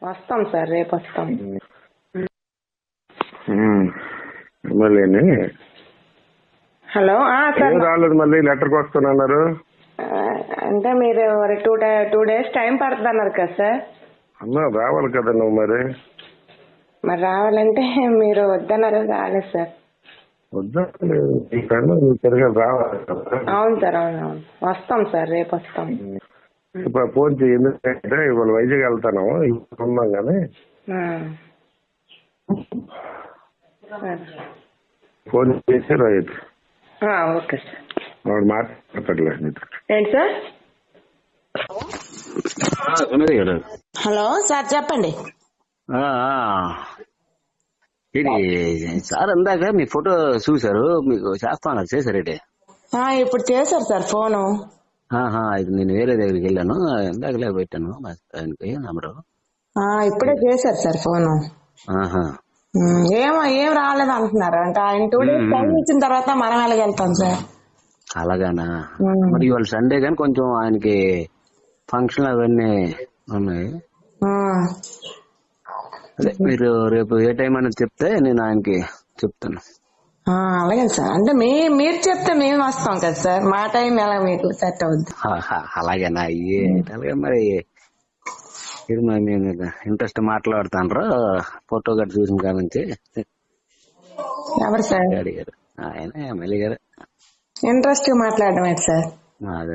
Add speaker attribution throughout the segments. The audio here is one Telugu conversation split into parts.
Speaker 1: వస్తాం సార్, రేపు వస్తాం.
Speaker 2: మళ్ళీ
Speaker 1: హలో సార్,
Speaker 2: రాలేదు, మళ్ళీ లెటర్కి వస్తానన్నారు.
Speaker 1: అంటే మీరు టూ డేస్ టైం పడుతుంది అన్నారు కదా సార్.
Speaker 2: అమ్మా రావాలి కదా నువ్వు
Speaker 1: మరి రావాలంటే మీరు వద్దన్నారు, రాలేదు సార్.
Speaker 2: వద్దా తిరగా రావాలి కదా.
Speaker 1: అవును సార్, అవును వస్తాం సార్, రేపు వస్తాం.
Speaker 2: ఇప్పుడు ఫోన్ చేయి, ఎందుకంటే ఇవాళ వైజాగ్ వెళ్తాను, ఇప్పుడు ఉన్నాం కానీ ఫోన్ చేసి రైతు
Speaker 1: ఓకే సార్.
Speaker 2: వాడు మాట్లాడలేదు.
Speaker 1: ఏంటి సార్? హలో సార్, చెప్పండి.
Speaker 3: ఇది సార్ ఇందాక మీ ఫోటో చూసారు, మీకు చేస్తాను చేశారేంటి?
Speaker 1: ఇప్పుడు చేశారు సార్ ఫోను.
Speaker 3: ఇది నేను వేరే దగ్గరికి వెళ్ళాను, ఇందాకలే పెట్టాను ఆయనకి నంబరు.
Speaker 1: ఇప్పుడే చేశారు సార్ ఫోను. ఏం రాలేదు అంటున్నారు. అంటే ఆయన 2 days టైం ఇచ్చిన తర్వాత మనం ఎలాగెళ్తాం సార్?
Speaker 3: అలాగానా? మరి ఇవాళ సండే కానీ కొంచెం ఆయనకి ఫంక్షన్ అవన్నీ ఉన్నాయి. అదే మీరు రేపు ఏ టైం అనేది చెప్తే నేను ఆయనకి చెప్తాను.
Speaker 1: అలాగే సార్. అంటే మీరు చెప్తే మేము వస్తాం కదా సార్, మా టైం ఎలా మీకు సెట్ అవుద్ది?
Speaker 3: అలాగేనా? అలాగే మరి ఇది మేము ఇంట్రెస్ట్ మాట్లాడుతాను. ఫోటో గట్రా చూసిన కాడ నుంచి.
Speaker 1: ఎవరు సార్?
Speaker 3: అడిగారు ఆయన ఎమ్మెల్యే గారు.
Speaker 1: ఇంట్రెస్ట్ మాట్లాడడం ఏంటి సార్?
Speaker 3: అదే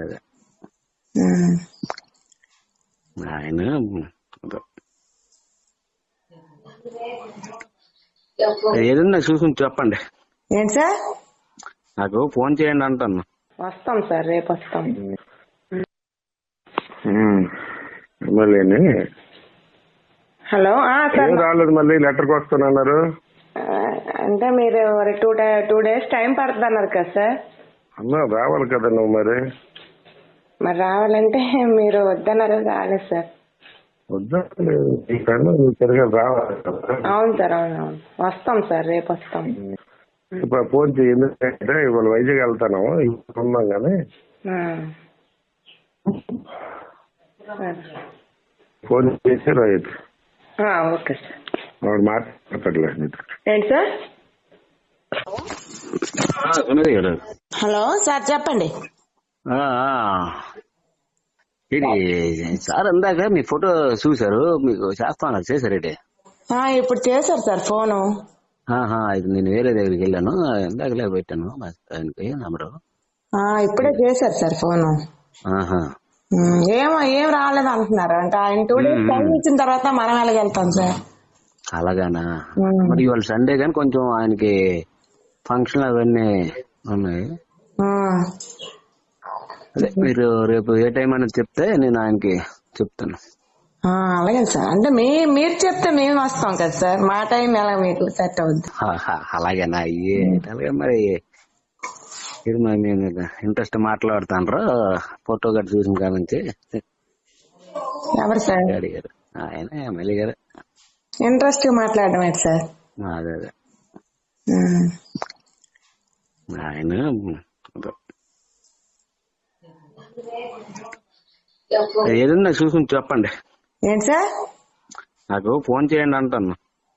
Speaker 3: ఆయన ఏదన్నా చూసుకుని చెప్పండి.
Speaker 1: ఏంటి సార్?
Speaker 3: నాకు ఫోన్ చేయండి అంటాను.
Speaker 1: వస్తాం సార్, రేపు వస్తాం.
Speaker 2: మళ్ళీ
Speaker 1: హలో సార్,
Speaker 2: రాలేదు, మళ్ళీ లెటర్కి వస్తానన్నారు.
Speaker 1: అంటే మీరు టూ డేస్ టైం పడుతుంది అన్నారు కదా సార్.
Speaker 2: అమ్మా రావాలి కదా నువ్వు
Speaker 1: మరి రావాలంటే మీరు వద్దన్నారు, రాలేదు సార్.
Speaker 2: వద్దా తిరగా రావాలి కదా.
Speaker 1: అవును సార్, అవును వస్తాం సార్, రేపు వస్తాం.
Speaker 2: ఇప్పుడు ఫోన్ చేయి, ఎందుకంటే ఇవాళ వైజాగ్ వెళ్తాను, ఇప్పుడు ఉన్నాం కానీ ఫోన్ చేసి రైతు
Speaker 1: ఓకే సార్.
Speaker 2: వాడు మాట్లాడలేదు.
Speaker 1: ఏంటి సార్? హలో సార్, చెప్పండి.
Speaker 3: ఇది సార్ ఇందాక మీ ఫోటో చూసారు, మీకు చేస్తాను చేశారేంటి?
Speaker 1: ఇప్పుడు చేశారు సార్ ఫోను.
Speaker 3: ఇది నేను వేరే దగ్గరికి వెళ్ళాను, ఇందాకలే పెట్టాను ఆయనకి నంబరు.
Speaker 1: ఇప్పుడే చేశారు సార్ ఫోను. ఏం రాలేదు అంటున్నారు. అంటే ఆయన 2 days టైం ఇచ్చిన తర్వాత మనం ఎలాగెళ్తాం సార్?
Speaker 3: అలాగానా? మరి ఇవాళ సండే కానీ కొంచెం ఆయనకి ఫంక్షన్ అవన్నీ ఉన్నాయి. అదే మీరు రేపు ఏ టైం అనేది చెప్తే నేను ఆయనకి చెప్తాను.
Speaker 1: అలాగే సార్. అంటే మీరు చెప్తే మేము వస్తాం కదా సార్, మా టైం ఎలా మీకు సెట్ అవుద్ది?
Speaker 3: అలాగేనా? అలాగే మరి ఇది మేము ఇంట్రెస్ట్ మాట్లాడుతాను. ఫోటో గట్రా చూసిన కాడ నుంచి.
Speaker 1: ఎవరు సార్?
Speaker 3: అడిగారు ఆయన ఎమ్మెల్యే గారు.
Speaker 1: ఇంట్రెస్ట్ మాట్లాడడం ఏంటి సార్?
Speaker 3: అదే ఆయన ఏదన్నా చూసుకుని చెప్పండి.
Speaker 1: ఏంటి సార్?
Speaker 3: నాకు ఫోన్ చేయండి అంటాను.